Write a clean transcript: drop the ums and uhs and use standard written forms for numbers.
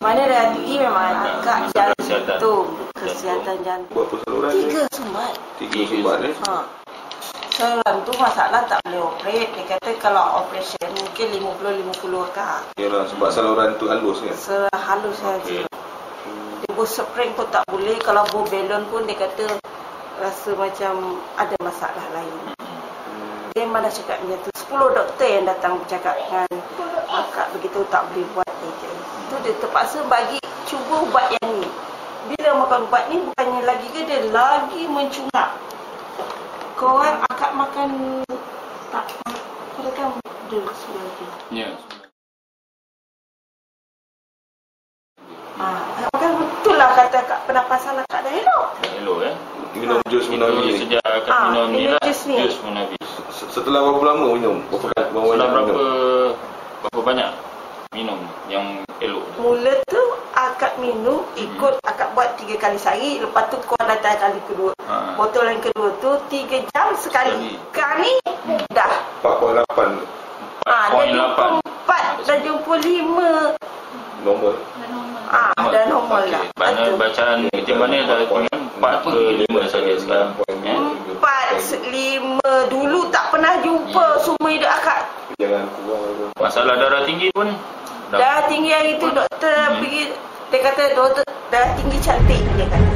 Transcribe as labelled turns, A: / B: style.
A: Mana darah tinggi memang agak jantung, kesihatan jantung.
B: Berapa saluran?
A: 3 sumbat.
B: 3 sumbat
A: Saluran tu masalah tak boleh operate. Dia kata kalau operation mungkin 50-50 akak.
B: Yalah, sebab saluran tu halus kan?
A: Saluran halus saja. Dia buat spring pun tak boleh. Kalau buat balon pun dia kata rasa macam ada masalah lain. Dia mana cakap macam tu. 10 doktor yang datang bercakap dengan akak begitu tak boleh buat dia. Itu dia terpaksa bagi cuba ubat yang ni. Bila makan ubat ni bukannya lagi ke dia lagi mencungap. Korang akak makan tak kan dulu sebelah tu.
C: Ya.
A: Makan betul lah kata akak pernafasan akak dah elok.
C: Dah elok
B: Minum jus Munawi.
C: Sejak akak minum ni lah,
A: jus ni.
C: jus Munawi.
B: Setelah berapa lama minum?
C: Setelah berapa banyak minum yang elok?
A: Mula tu akak minum ikut akak buat 3 kali sehari. Lepas tu kau datang kali kedua. Botol yang kedua tu 3 jam sekali. Kali dah
B: 4.8
A: dah jumpa 4, dah jumpa 5.
B: normal.
A: Dah normal lah.
C: Mana bacaan ketimbangannya dah 4 ke 5 saja sekarang.
A: 4, 5 dulu tak pernah jumpa semua hidup akak.
B: Jangan kurang.
C: Masalah darah tinggi pun
A: Darah tinggi hari tu doktor pergi, dia kata doktor darah tinggi cantik dia kata.